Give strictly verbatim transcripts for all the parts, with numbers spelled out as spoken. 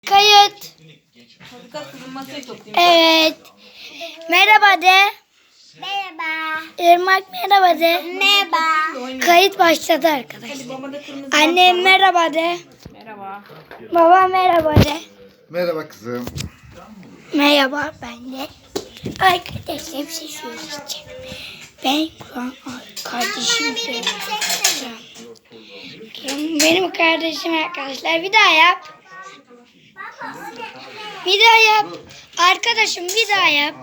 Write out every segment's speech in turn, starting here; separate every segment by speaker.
Speaker 1: Kayıt. Evet. Merhaba de.
Speaker 2: Merhaba.
Speaker 1: Irmak merhaba de.
Speaker 2: Merhaba.
Speaker 1: Kayıt başladı arkadaşlar. Annem merhaba de.
Speaker 3: Merhaba.
Speaker 1: Baba merhaba de.
Speaker 4: Merhaba kızım.
Speaker 1: Merhaba ben de. Arkadaşlar bir şey söyleyeceğim. Ben şu an kardeşim söyleyeceğim. Benim kardeşim arkadaşlar. Bir daha yap. Bir daha yap. Arkadaşım bir daha yap.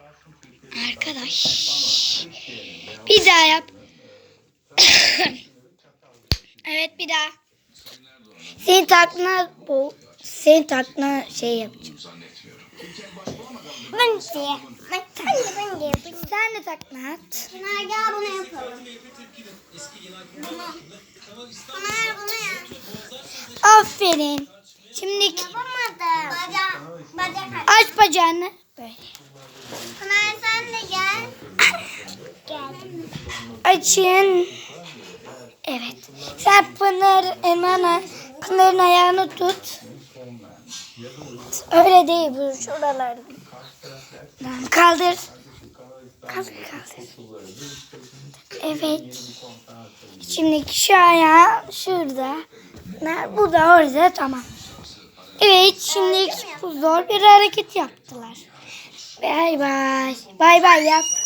Speaker 1: Arkadaş. Bir daha yap. Evet bir daha. Senin taklına bu. Senin taklına şey yapacağım.
Speaker 2: Ben de. Bak sen de ben de yapayım.
Speaker 1: Sen de takla at.
Speaker 2: Pınar gel bunu yapalım. Bunu. Pınar bunu yap.
Speaker 1: Aferin. Şimdi
Speaker 2: Yapamadım. Bacak. Bacak aç.
Speaker 1: aç bacağını. Böyle.
Speaker 2: Pınar sen de gel. Gel.
Speaker 1: Açın. Evet. Sen Pınar, Emana, Pınar'ın ayağını tut. Öyle değil bu şuralardan. Kaldır. Kaldır kaldır. Evet. Şimdi şu ayağı şurada. Bu da orada tamam. Evet şimdi bu zor bir hareket yaptılar. Bay bay. Bay bay yap.